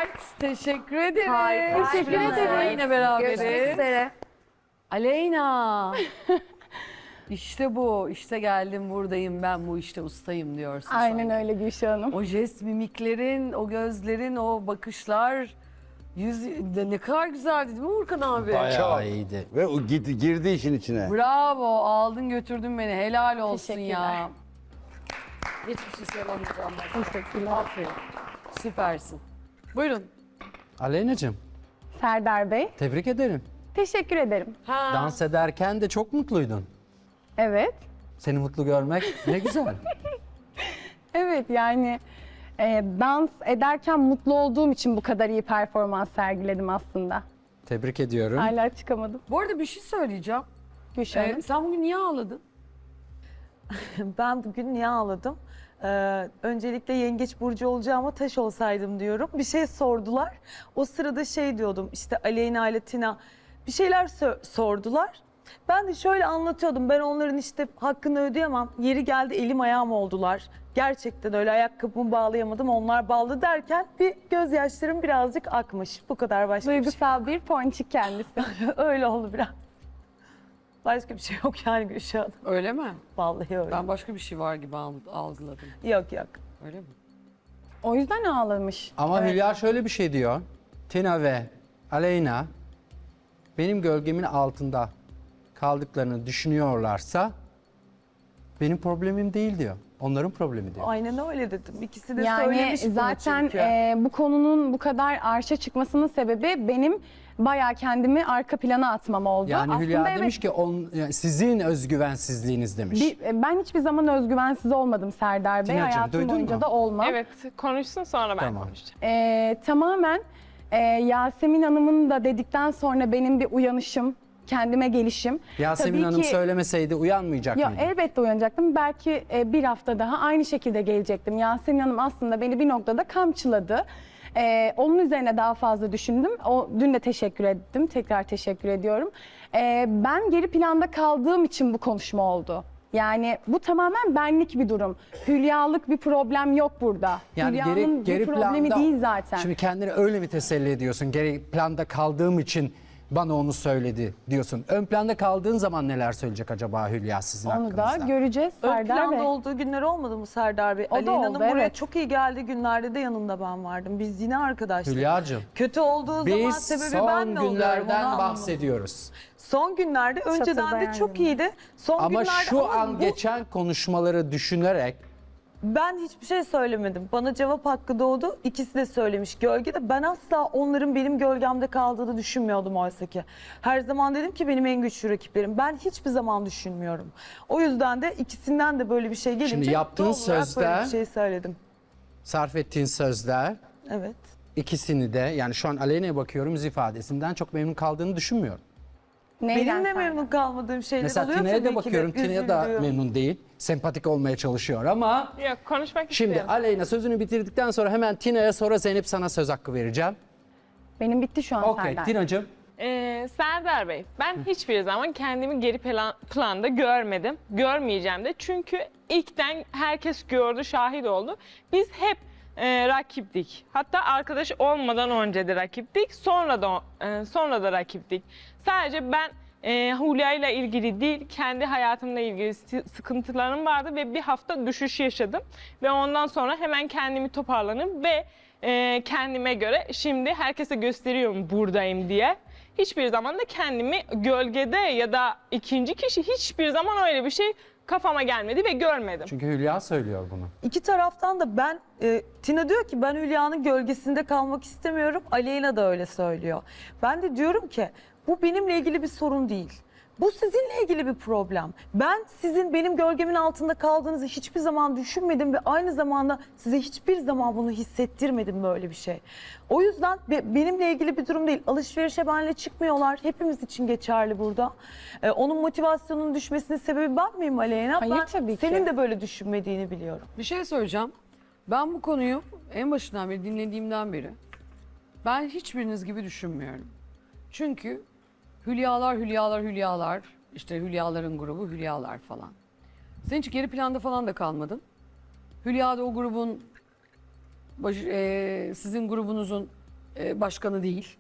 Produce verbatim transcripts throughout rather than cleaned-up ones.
Mert, teşekkür ederim. Harika. Teşekkür Harika. ederim. Yine beraberiz. Görüşmek üzere. Aleyna. İşte bu, işte geldim buradayım ben bu işte ustayım diyorsun. Aynen sanki. öyle Gülşah Hanım. O jest mimiklerin, o gözlerin, o bakışlar, yüz de ne kadar güzeldi değil mi Urkan abi? Bayağı iyiydi. Ve o git, girdi işin içine. Bravo, aldın götürdün beni. Helal olsun Teşekkürler. ya. Hiçbir şey söylemeyeceğim ben. Teşekkürler. Aferin. Süpersin. Buyurun. Aleyna'cığım Serdar Bey, tebrik ederim. teşekkür ederim. Ha. Dans ederken de çok mutluydun. Evet. Seni mutlu görmek ne güzel. Evet yani e, dans ederken mutlu olduğum için bu kadar iyi performans sergiledim aslında. Tebrik ediyorum. Hala çıkamadım. Bu arada bir şey söyleyeceğim. Gülşah Ee, Hanım. sen bugün niye ağladın? Ben bugün niye ağladım? Ee, öncelikle yengeç burcu olacağıma taş olsaydım diyorum. Bir şey sordular. O sırada şey diyordum işte Aleyna ile Tina bir şeyler sö- sordular. Ben de şöyle anlatıyordum. Ben onların işte hakkını ödeyemem. Yeri geldi elim ayağım oldular. Gerçekten öyle ayakkabımı bağlayamadım. Onlar bağlı derken bir gözyaşlarım birazcık akmış. Bu kadar başka bir şey. Duygusal bir ponçik kendisi. Öyle oldu biraz. Başka bir şey yok yani Gülşah Hanım. Öyle mi? Vallahi öyle. Ben başka bir şey var gibi al- algıladım. Yok yok. Öyle mi? O yüzden ağlamış. Ama Hülya şöyle bir şey diyor. Tina ve Aleyna benim gölgemin altında kaldıklarını düşünüyorlarsa benim problemim değil diyor. Onların problemi diyor. Aynen öyle dedim. İkisi de Yani söylemiş bunu zaten çünkü. e, bu konunun bu kadar arşa çıkmasının sebebi benim bayağı kendimi arka plana atmam oldu. Yani Aslında Hülya evet, demiş ki on, yani sizin özgüvensizliğiniz demiş. bir- e, ben hiçbir zaman özgüvensiz olmadım Serdar Bey. Tina'cığım, Hayatım duydun boyunca mu? da olmam. Evet, konuşsun sonra ben Tamam. konuşacağım. Ee, tamamen e, Yasemin Hanım'ın da dedikten sonra benim bir uyanışım, kendime gelişim. Yasemin Tabii Hanım ki- söylemeseydi uyanmayacak Ya mıydı? elbette uyanacaktım. Belki e, bir hafta daha aynı şekilde gelecektim. Yasemin Hanım aslında beni bir noktada kamçıladı. Ee, onun üzerine daha fazla düşündüm. O dün de teşekkür ettim. Tekrar teşekkür ediyorum. Ee, ben geri planda kaldığım için bu konuşma oldu. Yani bu tamamen benlik bir durum. Hülyalık bir problem yok burada. Yani Hülya'nın geri, geri bir problemi planda, değil zaten. Şimdi kendini öyle mi teselli ediyorsun? Geri planda kaldığım için bana onu söyledi diyorsun. Ön planda kaldığın zaman neler söyleyecek acaba Hülya sizin Onu hakkınızda? da göreceğiz Ön Serdar planda Bey. olduğu günler olmadı mı Serdar Bey? O da Aleyna Hanım oldu, buraya evet. çok iyi geldiği günlerde de yanında ben vardım. Biz yine arkadaştık. Hülya'cığım, Kötü olduğu zaman biz sebebi ben son mi oluyorum? günlerden onu anlamadım. bahsediyoruz. Son günlerde önceden de Çatırdayan çok günler. iyiydi. Son Ama günlerde şu ama an bu- geçen konuşmaları düşünerek ben hiçbir şey söylemedim. Bana cevap hakkı doğdu. İkisi de söylemiş gölgede. Ben asla onların benim gölgemde kaldığını düşünmüyordum oysa ki. Her zaman dedim ki benim en güçlü rakiplerim. Ben hiçbir zaman düşünmüyorum. O yüzden de ikisinden de böyle bir şey gelince Şimdi yaptığın doğal olarak böyle sözde- bir şey söyledim. sarf ettiğin sözler Evet. ikisini de yani şu an Aleyna'ya bakıyorum yüz ifadesinden çok memnun kaldığını düşünmüyorum. Neyden Benim de Serdar? memnun kalmadığım şeyler Mesela oluyor Tina'ya tabii da ki bakıyorum. Tina'ya da üzüldüğüm. memnun değil. Sempatik olmaya çalışıyor ama Yok, konuşmak şimdi istiyorum. Aleyna sözünü bitirdikten sonra hemen Tina'ya sonra Zeynep sana söz hakkı vereceğim. Benim bitti şu an Okey Serdar. Tina'cığım. Ee, Serdar Bey, ben hiçbir zaman kendimi geri plan, planda görmedim. Görmeyeceğim de. Çünkü ilkten herkes gördü, şahit oldu. Biz hep e, rakiptik. Hatta arkadaş olmadan önce de rakiptik. Sonra da e, sonra da rakiptik. Sadece ben e, Hülya ile ilgili değil, kendi hayatımla ilgili sı- sıkıntılarım vardı ve bir hafta düşüş yaşadım. Ve ondan sonra hemen kendimi toparlanıp ve e, kendime göre şimdi herkese gösteriyorum buradayım diye. Hiçbir zaman da kendimi gölgede ya da ikinci kişi hiçbir zaman öyle bir şey kafama gelmedi ve görmedim. Çünkü Hülya söylüyor bunu. İki taraftan da ben, e, Tina diyor ki ben Hülya'nın gölgesinde kalmak istemiyorum. Aleyna da öyle söylüyor. Ben de diyorum ki bu benimle ilgili bir sorun değil. Bu sizinle ilgili bir problem. Ben sizin benim gölgemin altında kaldığınızı hiçbir zaman düşünmedim ve aynı zamanda size hiçbir zaman bunu hissettirmedim böyle bir şey. O yüzden be- benimle ilgili bir durum değil. Alışverişe benimle çıkmıyorlar. Hepimiz için geçerli burada. Ee, onun motivasyonunun düşmesinin sebebi ben miyim Aleyna? Hayır, ben tabii ki. senin de böyle düşünmediğini biliyorum. Bir şey söyleyeceğim. Ben bu konuyu en başından beri dinlediğimden beri ben hiçbiriniz gibi düşünmüyorum. Çünkü Hülyalar, Hülyalar, Hülyalar, işte Hülyaların grubu, Hülyalar falan. Sen hiç geri planda falan da kalmadın. Hülya da o grubun, baş- e, sizin grubunuzun e, başkanı değil.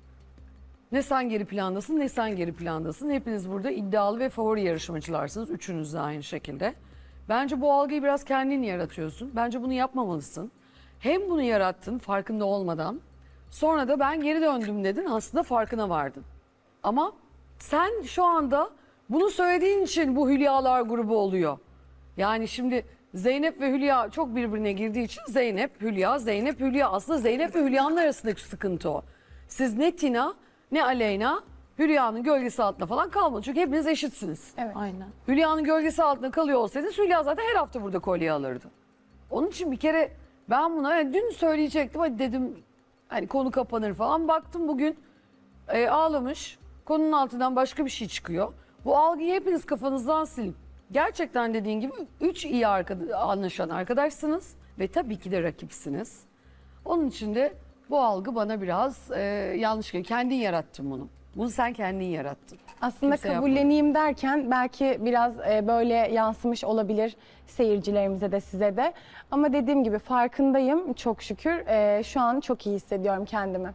Ne sen geri plandasın ne sen geri plandasın. Hepiniz burada iddialı ve favori yarışmacılarsınız. Üçünüz de aynı şekilde. Bence bu algıyı biraz kendin yaratıyorsun. Bence bunu yapmamalısın. Hem bunu yarattın farkında olmadan. Sonra da ben geri döndüm dedin. Aslında farkına vardın. Ama sen şu anda bunu söylediğin için bu Hülyalar grubu oluyor. Yani şimdi Zeynep ve Hülya çok birbirine girdiği için Zeynep, Hülya, Zeynep, Hülya. Aslında Zeynep ve Hülya'nın arasındaki sıkıntı o. Siz ne Tina ne Aleyna Hülya'nın gölgesi altında falan kalmadı. Çünkü hepiniz eşitsiniz. Evet. Aynen. Hülya'nın gölgesi altında kalıyor olsaydınız Hülya zaten her hafta burada kolye alırdı. Onun için bir kere ben buna yani dün söyleyecektim hadi dedim hani konu kapanır falan. Baktım bugün e, ağlamış. Konunun altından başka bir şey çıkıyor. Bu algıyı hepiniz kafanızdan silin. Gerçekten dediğin gibi üç iyi arkada, anlaşan arkadaşsınız ve tabii ki de rakipsiniz. Onun için de bu algı bana biraz e, yanlış geliyor. Kendin yarattın bunu. Bunu sen kendin yarattın. Aslında Kimse yapmadı. kabulleneyim derken belki biraz e, böyle yansımış olabilir seyircilerimize de size de. Ama dediğim gibi farkındayım çok şükür. E, şu an çok iyi hissediyorum kendimi.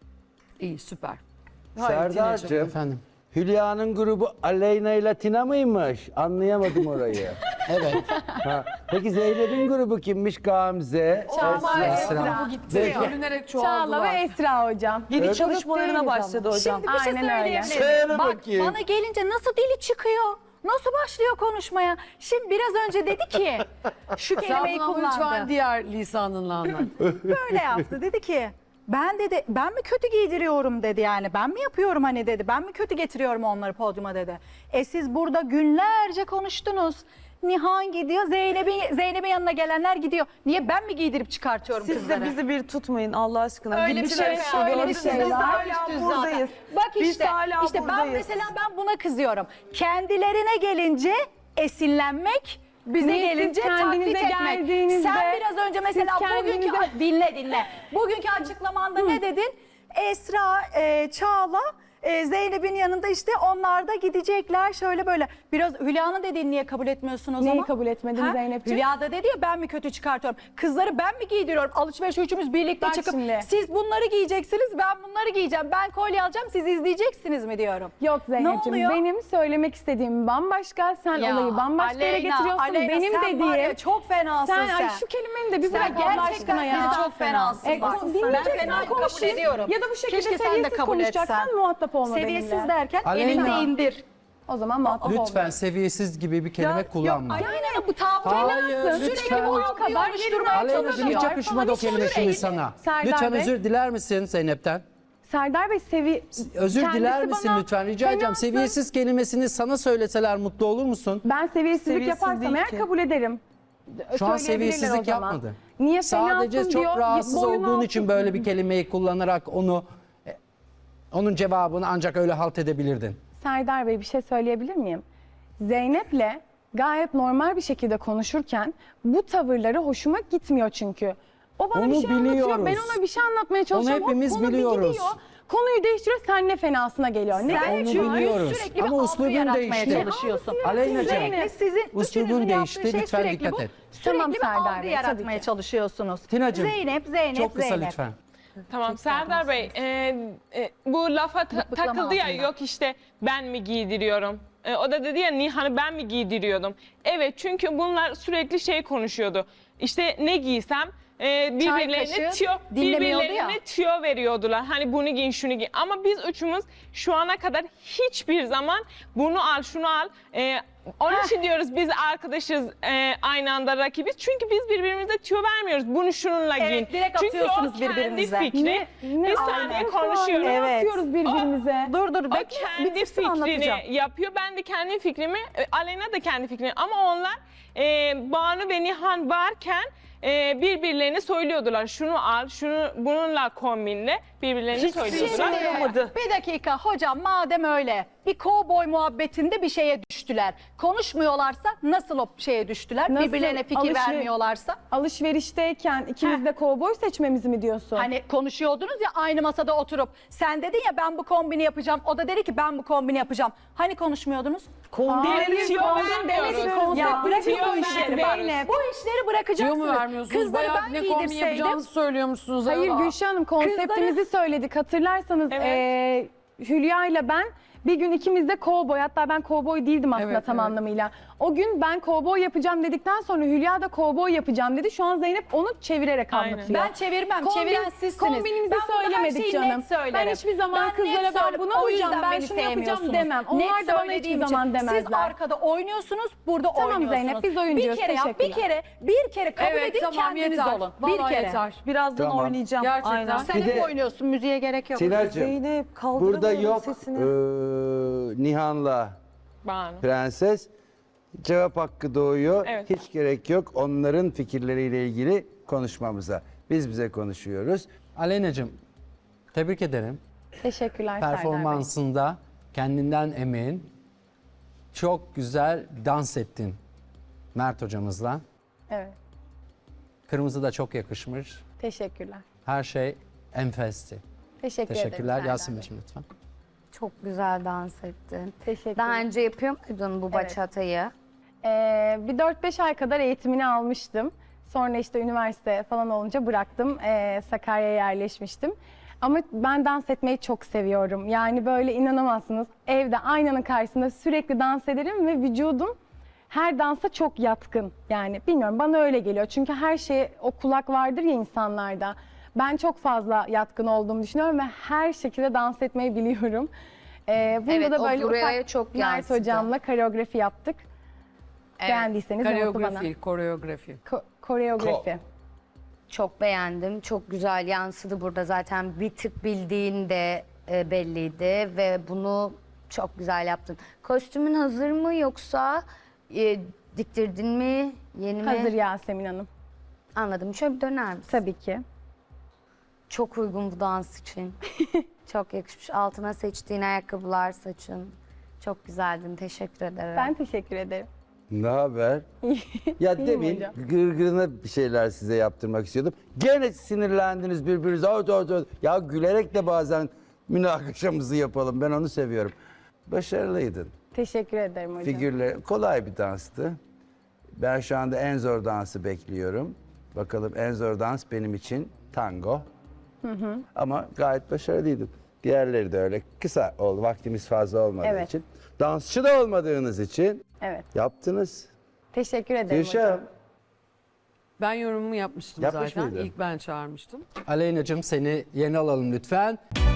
İyi süper. Hayır, Tina'cığım. Serdar'cığım, Efendim. Hülya'nın grubu Aleyna ile Tina mıymış? Anlayamadım orayı. Evet. Ha. Peki Zeynep'in grubu kimmiş? Gamze, Çağla Esra. Esra. Bu gitti. Peki. Bölünerek Çağla ve çoğaldılar. Esra hocam. Yeni Evet. çalışmalarına Değiliz başladı ama. hocam. Şimdi bir şey Aynen öyle. söyleyebilir Söyle miyim? Bak bakayım. bana gelince nasıl dili çıkıyor? Nasıl başlıyor konuşmaya? Şimdi biraz önce dedi ki şu Sen kelimeyi bunu ama lütfen kullandı. diğer lisanınla anlat. Böyle yaptı. Dedi ki ben dedi ben mi kötü giydiriyorum dedi yani. Ben mi yapıyorum hani dedi. Ben mi kötü getiriyorum onları podyuma dedi. E siz burada günlerce konuştunuz. Nihan gidiyor, Zeynep'in Zeynep'in yanına gelenler gidiyor. Niye ben mi giydirip çıkartıyorum Siz kızları? de bizi bir tutmayın Allah aşkına. Öyle bir Gidip şey, şey öyle bir gördünüz. şey Biz var. hala buradayız. Bak Biz işte, hala işte ben buradayız. mesela ben buna kızıyorum. Kendilerine gelince esinlenmek, bize Niye siz gelince kendinize taklit etmek. geldiğinizde- Sen biraz önce mesela siz bugünkü kendinize- dinle dinle. Bugünkü açıklamanda ne dedin? Esra, e, Çağla, e, Zeynep'in yanında işte onlar da gidecekler şöyle böyle. Biraz Hülya'nın dediğini niye kabul etmiyorsun o Neyi zaman? kabul etmedin Zeynepciğim? Hülya da dedi ya ben mi kötü çıkartıyorum? Kızları ben mi giydiriyorum? Alışveriş üçümüz birlikte Bak çıkıp şimdi. siz bunları giyeceksiniz ben bunları giyeceğim. Ben kolye alacağım siz izleyeceksiniz mi diyorum. Yok Zeynep'ciğim oluyor? benim söylemek istediğim bambaşka. Sen Ya, olayı bambaşka yere Aleyna, getiriyorsun. Aleyna, benim sen dediğim. var ya, çok fenasın sen. sen. Ay şu kelimeyi de bir Sen bırak Allah gerçekten aşkına ya. sen çok fenasın. E, bak. o- Ben dinleyeceksen fenayı kabul konuşayım. ediyorum. Ya da bu şekilde Keşke sen de seviyesiz kabul konuşacaksan etsen. muhatap olma Seviyesiz benimle. derken Aleyna. elinde indir. O zaman muhatap olma. Lütfen seviyesiz gibi bir kelime kullanma. Aleyna bu tavrı Hayır, sürekli lütfen. bu algıyı Kadar oluşturmaya Aleyna'cığım hiç çalışıyor. yakışmadı o kelime şimdi sana. Serdar Lütfen Bey. özür diler misin Zeynep'ten? Serdar Bey sevi... Özür kendisi diler misin bana lütfen? Rica edeceğim. fenasın. Seviyesiz kelimesini sana söyleseler mutlu olur musun? Ben seviyesizlik Seviyesiz yaparsam değil eğer ki. kabul ederim. Şu an Söyleyebilirler seviyesizlik o zaman. yapmadı. Niye Sadece fenasın çok diyor, rahatsız boyun olduğun altı- için böyle bir kelimeyi kullanarak onu e, onun cevabını ancak öyle halt edebilirdin. Serdar Bey bir şey söyleyebilir miyim? Zeynep'le gayet normal bir şekilde konuşurken bu tavırları hoşuma gitmiyor çünkü. O bana Onu bir şey anlatıyor, biliyoruz. ben ona bir şey anlatmaya çalışıyorum. Hop, hepimiz konu bir biliyoruz. gidiyor, konuyu değiştiriyor, sen ne fenasına geliyor. Ne Sen Onu çünkü biliyoruz. sürekli bir Ama algı uslubun yaratmaya değişti. çalışıyorsun. Aleyna'cığım, Sürekli sizin uslubun üçünüzün yaptığı değişti. şey Lütfen sürekli dikkat bu. et. Sürekli Tamam bir Serdar algı Bey, yaratmaya tabii ki. çalışıyorsunuz. Tina'cığım, Zeynep, Zeynep, çok kısa Zeynep. lütfen. Tamam Serdar Bey, e, e, bu lafa ta- Mıklıklama takıldı ya ağzından. yok işte ben mi giydiriyorum? E, o da dedi ya Nihan'ı ben mi giydiriyordum? Evet çünkü bunlar sürekli şey konuşuyordu. İşte ne giysem e, birbirlerine kaşığı tüyo, dinlemiyordu ya. birbirlerine tüyo veriyordular. Hani bunu giyin şunu giy. Ama biz üçümüz şu ana kadar hiçbir zaman bunu al şunu al. E, onun için diyoruz biz arkadaşız e, aynı anda rakibiz. Çünkü biz birbirimize tüyo vermiyoruz. Bunu şununla giyin. Evet, direkt Çünkü atıyorsunuz o kendi birbirinize. fikri. Ne, ne bir saniye alakası var? konuşuyorum. Ne Evet. atıyoruz birbirimize? Dur dur O bekle kendi bitirsin fikrini anlatacağım. yapıyor. Ben de kendi fikrimi, e, Aleyna da kendi fikrini. Ama onlar e, Banu ve Nihan varken e, birbirlerine söylüyordular. Şunu al, şunu bununla kombinle birbirlerine söylüyordular. Şimdi, bir dakika hocam madem öyle bir kovboy muhabbetinde bir şeye düştüler. Konuşmuyorlarsa nasıl o şeye düştüler? Nasıl Birbirlerine fikir alışveriş- vermiyorlarsa? Alışverişteyken ikimiz de kovboy seçmemizi mi diyorsun? Hani konuşuyordunuz ya aynı masada oturup sen dedin ya ben bu kombini yapacağım. O da dedi ki ben bu kombini yapacağım. Hani konuşmuyordunuz? Hayır, tüyo kombin vermiyoruz. demek konsept Ya bırakın Tüyo bu işleri bak. vermiyoruz. Bu işleri bırakacaksınız. Tüyo mu vermiyoruz? vermiyorsunuz. kızları Bayağı ben ne kombin giydirseydim- yapacağınızı söylüyormuşsunuz. Hayır Aa. Gülşah Hanım konseptimizi söyledik. Hatırlarsanız Evet. eee, Hülya ile ben bir gün ikimiz de kovboy, hatta ben kovboy değildim aslında Evet, tam evet. anlamıyla. O gün ben kovboy yapacağım dedikten sonra Hülya da kovboy yapacağım dedi. Şu an Zeynep onu çevirerek Aynen. anlatıyor. Ben çevirmem, Kombin- çeviren sizsiniz. Kombinimizi Ben burada her söylemedik şeyi canım. net söylerim. Ben hiçbir zaman net kızlara ben söylerim. bunu O alacağım, yüzden ben beni şunu yapacağım sevmiyorsunuz. demem. Onlar da bana hiçbir söylediğim zaman için. demezler. Siz arkada oynuyorsunuz, burada Tamam oynuyorsunuz. Zeynep, biz oyuncuyuz. Bir kere yap, bir Teşekkürler. kere, bir kere kabul Evet edin, tamam kendiniz yeter. olun. Vallahi Bir kere. yeter. Birazdan Tamam. oynayacağım. Gerçekten. Aynen. Sen Bir hep de- oynuyorsun, müziğe gerek yok. Tina'cığım Zeynep burada kaldıramıyorum yok sesini. eee, Nihan'la Banu. Prenses. Cevap hakkı doğuyor. Evet. Hiç gerek yok onların fikirleriyle ilgili konuşmamıza. Biz bize konuşuyoruz. Aleyna'cığım tebrik ederim. Teşekkürler Serdar Bey. Performansında kendinden emin. Çok güzel dans ettin Mert hocamızla. Evet, Kırmızı da çok yakışmış. teşekkürler. Her şey enfesti. Teşekkür ederim Teşekkürler. Serdar Bey. Yasemin'ciğim lütfen. Çok güzel dans ettin. Teşekkür Daha ederim. önce yapıyor muydun bu Evet. bachata'yı? Ee, bir dört beş ay kadar eğitimini almıştım. Sonra işte üniversite falan olunca bıraktım. Ee, Sakarya'ya yerleşmiştim. Ama ben dans etmeyi çok seviyorum. Yani böyle inanamazsınız. Evde aynanın karşısında sürekli dans ederim ve vücudum her dansa çok yatkın. Yani bilmiyorum, bana öyle geliyor. Çünkü her şeye o kulak vardır ya insanlarda. Ben çok fazla yatkın olduğumu düşünüyorum ve her şekilde dans etmeyi biliyorum. Ee, bunda Evet, da o böyle buraya ufak çok Mert yansıdı. hocamla koreografi yaptık. Beğendiyseniz ne mutlu bana. Koreografi, koreografi. Ko- koreografi. Çok beğendim. Çok güzel yansıdı burada. Zaten bir tık bildiğin de e, belliydi ve bunu çok güzel yaptın. Kostümün hazır mı yoksa e, diktirdin mi? Yeni mi? Hazır Yasemin Hanım. Anladım. Şöyle bir döner misin? Tabii ki. Çok uygun bu dans için. Çok yakışmış. Altına seçtiğin ayakkabılar, saçın. Çok güzeldin. Teşekkür ederim. Ben teşekkür ederim. Ne haber? Ya İyiyim demin hocam. gırgırına bir şeyler size yaptırmak istiyordum. Gene sinirlendiniz birbirinize. Ot, ot, ot. Ya gülerek de bazen münakaşamızı yapalım. Ben onu seviyorum. Başarılıydın. Teşekkür ederim hocam. Figürler kolay bir danstı. Ben şu anda en zor dansı bekliyorum. Bakalım en zor dans benim için tango. Ama gayet başarılıydın. Diğerleri de öyle. Kısa oldu. Vaktimiz fazla olmadığı Evet. için. Dansçı da olmadığınız için Evet. yaptınız. Teşekkür ederim Gülşah, hocam. Ben yorumumu yapmıştım Yapmış zaten. mıydın? İlk ben çağırmıştım. Aleyna'cığım seni yerine alalım lütfen.